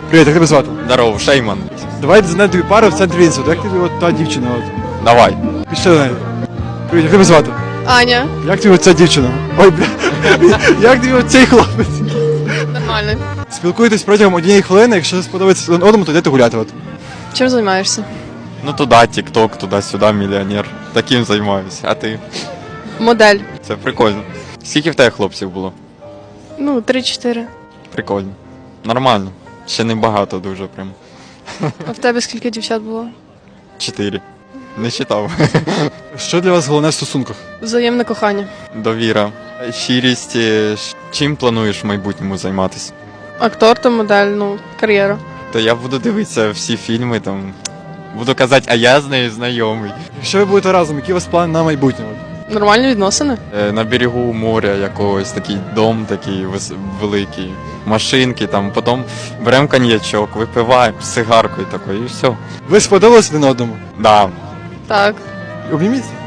Привіт, як тебе звати? Здорово, Шейман. Давай знайдемо тобі пару в центрі Вінсу. Як тобі от та дівчина? От? Давай. Пішли до неї. Привіт, як тебе звати? Аня. Як тобі оця дівчина? Ой, бля. Як тобі оцей хлопець? Нормально. Спілкуєтесь протягом однієї хвилини, якщо сподобається один одному, то йдете гуляти. От. Чим займаєшся? Ну туди тік-ток, туди-сюди, мільйонер. Таким займаюся. А ти? Модель. Це прикольно. Скільки в тебе хлопців було? Ну, 3-4. Прикольно. Нормально. Ще не багато дуже прям. А в тебе скільки дівчат було? 4. Не читав. Що для вас головне в стосунках? Взаємне кохання. Довіра. Щирість. Чим плануєш в майбутньому займатися? Актор та модель, ну, кар'єра. То я буду дивитися всі фільми там. Буду казати, а я з нею знайомий. Якщо ви будете разом, які у вас плани на майбутнє? От? Нормальні відносини? На берегу моря якогось, такий дом такий великий, машинки там, потім беремо коньячок, випиваємо з сигаркою такою і все. Ви сподобались один одному? Да. Так. Обніміться.